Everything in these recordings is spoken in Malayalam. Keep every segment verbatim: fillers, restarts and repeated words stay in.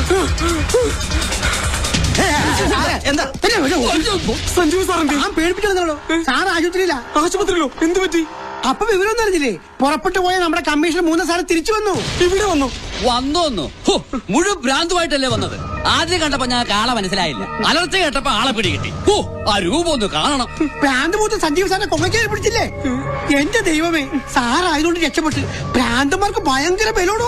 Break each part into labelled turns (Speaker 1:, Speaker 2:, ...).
Speaker 1: എന്താ സഞ്ജീവ് സാറിന്റെ പേടിപ്പിച്ചോ സാർ ആശുപത്രിയില്ല. ആശുപത്രിയിലോ? എന്ത് പറ്റി? അപ്പൊ വിവരം അറിഞ്ഞില്ലേ? പുറപ്പെട്ടു പോയ നമ്മുടെ കമ്മീഷണർ മൂന്ന് സാറ് തിരിച്ചു വന്നു. ഇവിടെ വന്നു
Speaker 2: വന്നു വന്നു മുഴുവൻ ഭ്രാന്തുമായിട്ടല്ലേ വന്നത്. ആദ്യം കണ്ടപ്പോ ഞാൻ ആളെ മനസ്സിലായില്ല. അലർച്ച കേട്ടപ്പോ ആളെ പിടികിട്ടി. ഓ ആ രൂപം ഒന്ന് കാണണം.
Speaker 1: ഭ്രാന്ത് മൂത്ത് സഞ്ജീവ് സാറിനെ കൊമയ്ക്കാൻ പിടിച്ചില്ലേ? എന്റെ ദൈവമേ, സാറായതുകൊണ്ട് രക്ഷപ്പെട്ട്. ഭ്രാന്തന്മാർക്ക് ഭയങ്കര ബലോടോ.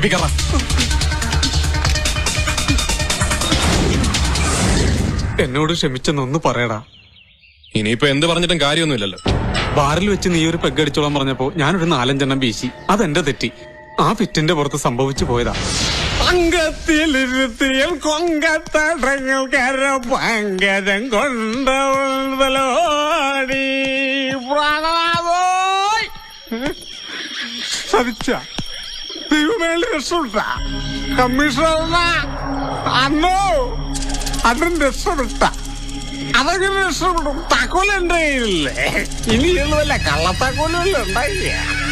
Speaker 3: എന്നോട് ക്ഷമിച്ചെന്നൊന്ന് പറയടാ.
Speaker 4: ഇനിയിപ്പോ എന്ത് പറഞ്ഞിട്ടും കാര്യമൊന്നുമില്ലല്ലോ.
Speaker 3: ബാറിൽ വെച്ച് നീ ഒരു പെഗ് അടിച്ചോളാൻ പറഞ്ഞപ്പോ ഞാനൊരു നാലഞ്ചെണ്ണം വീശി. അതെന്റെ തെറ്റി. ആ ഫിറ്റിന്റെ പുറത്ത് സംഭവിച്ചു പോയതാ. അങ്കത്തിലിരുത്തിയൽ കൊങ്കത്തടങ്ങൾ കര പങ്കജം കൊണ്ടോടി സവിച്ച ദൈവമേൽ രക്ഷപ്പെട്ട കമ്മീഷണർ അന്നോ അതും രക്ഷപ്പെട്ട. അതൊക്കെ രക്ഷപ്പെടും. താക്കോൽ എന്റെ കയ്യിലില്ലേ? ഇനി എഴുതല്ല, കള്ളത്താക്കോലല്ല ഉണ്ടായില്ല.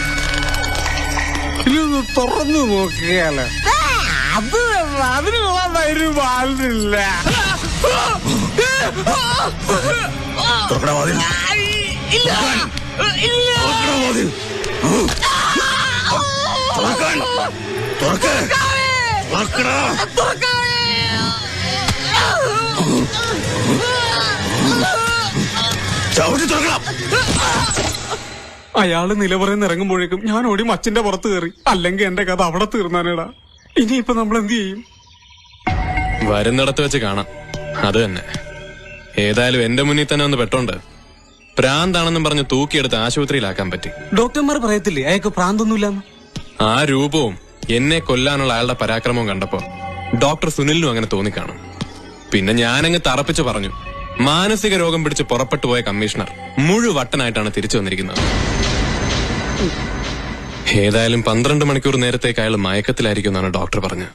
Speaker 3: ഇതൊന്ന് തുറന്നു നോക്കിയാല് അത് അതിനുള്ള ധൈര്യം ആളില്ല. അയാള് നിലപറയുന്ന ഇറങ്ങുമ്പോഴേക്കും ഞാൻ ഓടി മച്ചിന്റെ പുറത്ത് കയറി. അല്ലെങ്കിൽ എന്റെ കഥ അവിടെ തീർന്നാനേടാ. ഇനിയിപ്പൊ നമ്മൾ എന്ത് ചെയ്യും?
Speaker 4: വരുന്നിടത്ത് വെച്ച് കാണാം. അത് തന്നെ. ഏതായാലും എന്റെ മുന്നിൽ തന്നെ ഒന്ന് പെട്ടോണ്ട് പ്രാന്താണെന്നും പറഞ്ഞ് തൂക്കിയെടുത്ത് ആശുപത്രിയിലാക്കാൻ പറ്റി.
Speaker 3: ഡോക്ടർമാർ പറയത്തില്ലേ അയാൾക്ക് പ്രാന്തൊന്നുമില്ലെന്ന്?
Speaker 4: ആ രൂപവും എന്നെ കൊല്ലാനുള്ള അയാളുടെ പരാക്രമവും കണ്ടപ്പോ ഡോക്ടർ സുനിലിനും അങ്ങനെ തോന്നിക്കാണും. പിന്നെ ഞാനങ്ങ് തറപ്പിച്ച് പറഞ്ഞു, മാനസിക രോഗം പിടിച്ച് പുറപ്പെട്ടു പോയ കമ്മീഷണർ മുഴുവട്ടനായിട്ടാണ് തിരിച്ചു വന്നിരിക്കുന്നത്. ഏതായാലും പന്ത്രണ്ട് മണിക്കൂർ നേരത്തേക്ക് അയാൾ മയക്കത്തിലായിരിക്കും എന്നാണ് ഡോക്ടർ പറഞ്ഞത്.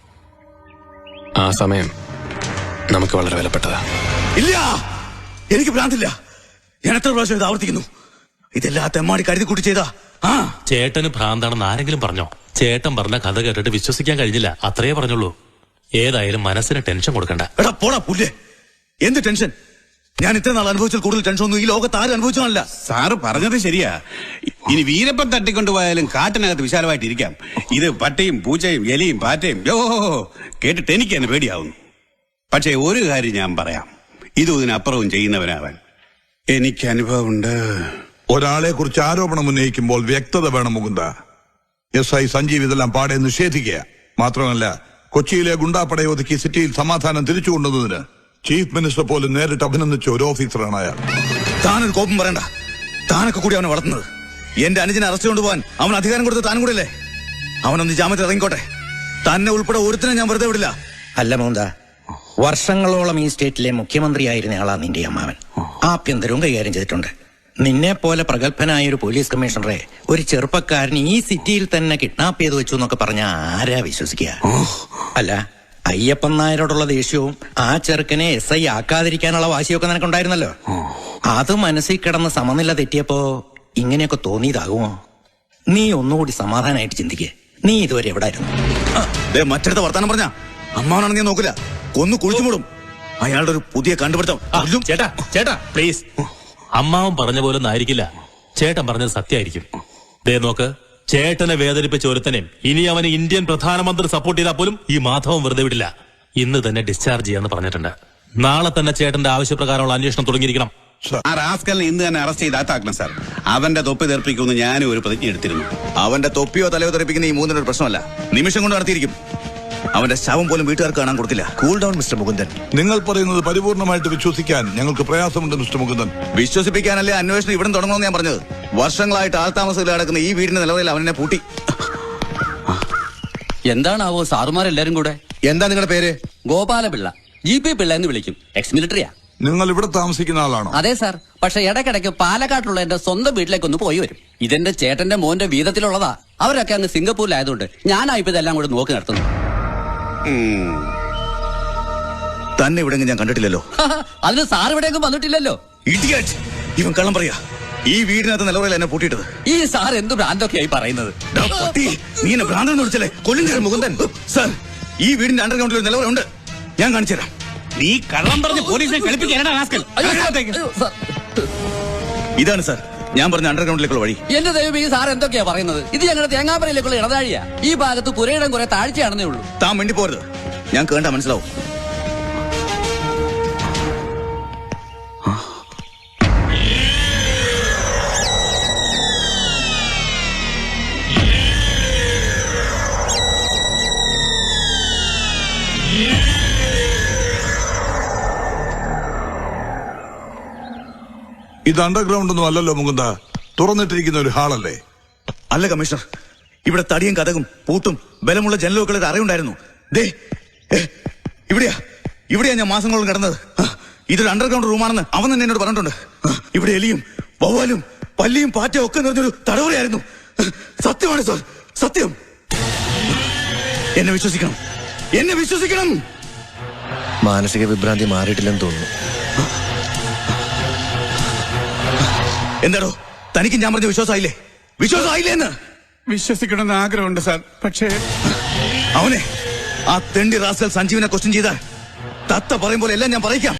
Speaker 4: ആ സമയം നമുക്ക് വളരെ വിലപ്പെട്ടതാ.
Speaker 5: ഇല്ല, എനിക്ക് ഭ്രാന്തില്ല. ഞാൻ എത്ര പ്രാവശ്യം ഇത് ആവർത്തിക്കുന്നു. ഇതെല്ലാം തെമ്മാടി കരുതി കൂട്ടി ചെയ്താ. ആ
Speaker 6: ചേട്ടന് ഭ്രാന്താണെന്ന് ആരെങ്കിലും പറഞ്ഞോ? ചേട്ടൻ പറഞ്ഞ കഥ കേട്ടിട്ട് വിശ്വസിക്കാൻ കഴിഞ്ഞില്ല. അത്രയേ പറഞ്ഞുള്ളൂ. ഏതായാലും മനസ്സിന് ടെൻഷൻ കൊടുക്കണ്ട.
Speaker 5: എടാ പോടാ പുല്ലേ, എന്ത് ടെൻഷൻ? ഞാൻ ഇത്ര നാൾ അനുഭവിച്ചാൽ കൂടുതൽ ടെൻഷൻ ഒന്നും ഈ ലോകത്ത് ആരും അനുഭവിച്ചാണല്ല.
Speaker 7: സാറ് പറഞ്ഞത് ശരിയാ. ഇനി വീരപ്പൻ തട്ടിക്കൊണ്ടുപോയാലും കാട്ടിനകത്ത് വിശാലമായിട്ട് ഇരിക്കാം. ഇത് പട്ടയും പൂച്ചയും എലിയും പാറ്റയും യോ കേട്ടിട്ട് എനിക്ക് തന്നെ പേടിയാവുന്നു. പക്ഷെ ഒരു കാര്യം ഞാൻ പറയാം, ഇതും ഇതിനപ്പുറവും ചെയ്യുന്നവനാവൻ എനിക്ക് അനുഭവമുണ്ട്.
Speaker 8: ഒരാളെ കുറിച്ച് ആരോപണം ഉന്നയിക്കുമ്പോൾ വ്യക്തത വേണം മുകുന്ദ. എസ് ഐ സഞ്ജീവ് ഇതെല്ലാം പാടെ നിഷേധിക്കുക. മാത്രമല്ല, കൊച്ചിയിലെ ഗുണ്ടാപ്പടയെ ഒതുക്കി സിറ്റിയിൽ സമാധാനം തിരിച്ചു കൊണ്ടുവന്നതിന് ചീഫ് മിനിസ്റ്റർ പോലും നേരിട്ട് അഭിനന്ദിച്ച ഒരു ഓഫീസറാണ് അയാൾ.
Speaker 5: താനൊരു കോപം പറയണ്ട. താനൊക്കെ കൂടി അവനെ വളർത്തുന്നത്. എന്റെ അനുജനെ അറസ്റ്റ് കൊണ്ടുപോകാൻ അവൻ അധികാരം കൊടുത്ത് താനും കൂടെ അല്ലേ? അവനൊന്ന് ജാമ്യത്തിൽ ഇറങ്ങിക്കോട്ടെ. തന്നെ ഉൾപ്പെടെ ഒരുത്തിനെ ഞാൻ വെറുതെ വിടില്ല.
Speaker 9: അല്ല മോന്ത, വർഷങ്ങളോളം ഈ സ്റ്റേറ്റിലെ മുഖ്യമന്ത്രിയായിരുന്ന ആളാ നിന്റെ അമ്മാവൻ. ആഭ്യന്തരവും കൈകാര്യം ചെയ്തിട്ടുണ്ട്. നിന്നെ പോലെ പ്രഗത്ഭനായ ഒരു പോലീസ് കമ്മീഷണറെ ഒരു ചെറുപ്പക്കാരൻ ഈ സിറ്റിയിൽ തന്നെ കിഡ്നാപ്പ് ചെയ്ത് വെച്ചു എന്നൊക്കെ പറഞ്ഞ ആരാ വിശ്വസിക്കുക? അല്ല, അയ്യപ്പൻ നായരോടുള്ള ദേഷ്യവും ആ ചെറുക്കനെ എസ് ഐ ആക്കാതിരിക്കാനുള്ള വാശിയൊക്കെ നിനക്കുണ്ടായിരുന്നല്ലോ. അത് മനസ്സിൽ കിടന്ന് സമനില തെറ്റിയപ്പോ ഇങ്ങനെയൊക്കെ തോന്നിയതാകുമോ? നീ ഒന്നുകൂടി സമാധാനമായിട്ട് ചിന്തിക്കേ. നീ ഇതുവരെ എവിടായിരുന്നു?
Speaker 5: മറ്റടുത്ത വർത്താനം പറഞ്ഞ അമ്മാവനാണെന്ന് ഞാൻ നോക്കില്ല, കൊന്നു കുഴിച്ചു മൂടും. അയാളുടെ ഒരു പുതിയ കണ്ടുപിടുത്തം.
Speaker 6: ചേട്ടാ ചേട്ടാ പ്ലീസ്. അമ്മാവൻ പറഞ്ഞ പോലെ ഒന്നും ആയിരിക്കില്ല. ചേട്ടൻ പറഞ്ഞത് സത്യമായിരിക്കും. ദേ നോക്ക്, ചേട്ടനെ വേദനിപ്പിച്ച ഒരുത്തനെയും ഇനി അവന് ഇന്ത്യൻ പ്രധാനമന്ത്രി സപ്പോർട്ട് ചെയ്താൽ പോലും ഈ മാധവൻ വെറുതെ വിടില്ല. ഇന്ന് തന്നെ ഡിസ്ചാർജ് ചെയ്യാന്ന് പറഞ്ഞിട്ടുണ്ട്. നാളെ തന്നെ ചേട്ടന്റെ ആവശ്യപ്രകാരമുള്ള അന്വേഷണം തുടങ്ങിയിരിക്കണം.
Speaker 7: ആ റാസ്കലിനെ ഇന്ന് തന്നെ അറസ്റ്റ് ചെയ്ത് അകത്താക്കണം സാർ. അവന്റെ തൊപ്പി തെറിപ്പിക്കുമെന്ന് ഞാനും ഒരു പ്രതിജ്ഞ എടുത്തിരുന്നു.
Speaker 5: അവന്റെ തൊപ്പിയോ തലയോ തെറിപ്പിക്കുന്ന ഈ മൂന്നിനൊരു പ്രശ്നമല്ല, നിമിഷം കൊണ്ട് നടത്തിയിരിക്കും. അവന്റെ ശവം പോലും വീട്ടുകാർക്ക് കാണാൻ കൊടുക്കില്ല. Cool down mister Mukundan.
Speaker 8: നിങ്ങൾ പറയുന്നത് പരിപൂർണമായിട്ട് വിശ്വസിക്കാൻ ഞങ്ങൾക്ക് പ്രയാസമുണ്ട് മിസ്റ്റർ മുകുന്ദൻ.
Speaker 5: വിശ്വസിപ്പിക്കാനല്ലേ അന്വേഷണം ഇവിടെ തുടങ്ങണമെന്ന് ഞാൻ പറഞ്ഞത്. വർഷങ്ങളായിട്ട് ആൾതാമസത്തിൽ നടക്കുന്ന ഈ വീടിന്റെ നിലവിൽ അവനെ പൂട്ടി.
Speaker 2: എന്താണാവോ സാറുമാരെല്ലാരും കൂടെ?
Speaker 5: എന്താ നിങ്ങളുടെ പേര്?
Speaker 2: ഗോപാലപിള്ള. ജി പി പിള്ള എന്ന് വിളിക്കും. എക്സ് മിലിറ്ററിയാ.
Speaker 8: നിങ്ങൾ ഇവിടെ താമസിക്കുന്ന ആളാണോ?
Speaker 2: അതെ സാർ. പക്ഷെ ഇടയ്ക്കിടയ്ക്ക് പാലക്കാട്ടുള്ള എന്റെ സ്വന്തം വീട്ടിലേക്കൊന്ന് പോയി വരും. ഇതെന്റെ ചേട്ടന്റെ മോന്റെ വീതത്തിലുള്ളതാ. അവരൊക്കെ അങ്ങ് സിംഗപ്പൂരിലായതുകൊണ്ട് ഞാനായിപ്പോ ഇതെല്ലാം കൂടെ നോക്കി നടത്തുന്നു.
Speaker 5: തന്നെ ഇവിടെ ഞാൻ കണ്ടിട്ടില്ലല്ലോ.
Speaker 2: അതിന് സാർ ഇവിടെയൊന്നും വന്നിട്ടില്ലല്ലോ.
Speaker 5: ഇഡിയറ്റ്! ഇവൻ കള്ളം പറയാ. ഈ വീടിനകത്ത് നിലവറയിൽ എന്നെ പൂട്ടിയിട്ടത്.
Speaker 2: ഈ സാർ എന്ത് ഭ്രാന്തൊക്കെയായി പറയുന്നത്?
Speaker 5: നീ എന്നെ ഭ്രാന്തെന്ന് വിളിച്ചല്ലേ? കൊല്ലും മുകുന്ദൻ. സാർ, ഈ വീടിന്റെ അണ്ടർഗ്രൗണ്ടിൽ ഒരു നിലവറ ഉണ്ട്. ഞാൻ കാണിച്ചു തരാം.
Speaker 7: നീ കള്ളം പറഞ്ഞ് പോലീസിനെ കളിപ്പിക്കാനാ റാസ്കൽ.
Speaker 2: അയ്യോ, സാർ, അയ്യോ, സാർ.
Speaker 5: ഇതാണ് സാർ ഞാൻ പറഞ്ഞ അണ്ടർഗ്രൗണ്ടിലേക്കുള്ള വഴി.
Speaker 2: എന്റെ ദൈവം, ഈ സാർ എന്തൊക്കെയാ പറയുന്നത്? ഇത് ഞങ്ങളുടെ തേങ്ങാപ്പരയിലേക്കുള്ള ഇടതാഴിയാ. ഈ ഭാഗത്ത് പുരയിടം കുറെ താഴ്ചയാണെന്നേ ഉള്ളൂ.
Speaker 5: താൻ വേണ്ടി പോരുത്. ഞാൻ കേണ്ട മനസ്സിലാവും.
Speaker 8: ഇത് അണ്ടർഗ്രൗണ്ട് ഒന്നും അല്ലല്ലോ മുകുന്ദ, തുറന്നിട്ടിരിക്കുന്ന ഒരു ഹാളല്ലേ?
Speaker 5: അല്ല കമ്മീഷണർ, ഇവിടെ തടിയും കഥകും പൂട്ടും ബലമുള്ള ജനലുകളുടെ അറിവുണ്ടായിരുന്നു. ദേ ഏ, ഇവിടെയാ ഇവിടെയാ ഞാൻ മാസങ്ങളോളം കിടന്നത്. ആ, ഇതൊരു അണ്ടർഗ്രൗണ്ട് റൂമാണെന്ന് അവൻ തന്നെ എന്നോട് പറഞ്ഞിട്ടുണ്ട്. ആ, ഇവിടെ എലിയും വവ്വാലും പല്ലിയും പാറ്റയും ഒക്കെ നിറഞ്ഞൊരു തടവറയായിരുന്നു. സത്യമാണ് സാർ, സത്യം. എന്നെ വിശ്വസിക്കണം, എന്നെ വിശ്വസിക്കണം.
Speaker 10: മാനസിക വിഭ്രാന്തി മാറിയിട്ടില്ലെന്ന് തോന്നുന്നു.
Speaker 5: എന്താടോ തനിക്ക് ഞാൻ പറഞ്ഞ വിശ്വാസമായില്ലേ? വിശ്വാസമായില്ലേ എന്ന്?
Speaker 7: വിശ്വസിക്കണമെന്ന് ആഗ്രഹമുണ്ട് സാർ, പക്ഷേ
Speaker 5: അവനെ ആ തെണ്ടി റാസ്കൽ സഞ്ജീവിനെ ക്വസ്റ്റ്യൻ ചെയ്താൽ തത്ത പറയും പോലെ എല്ലാം ഞാൻ പറയിക്കാം.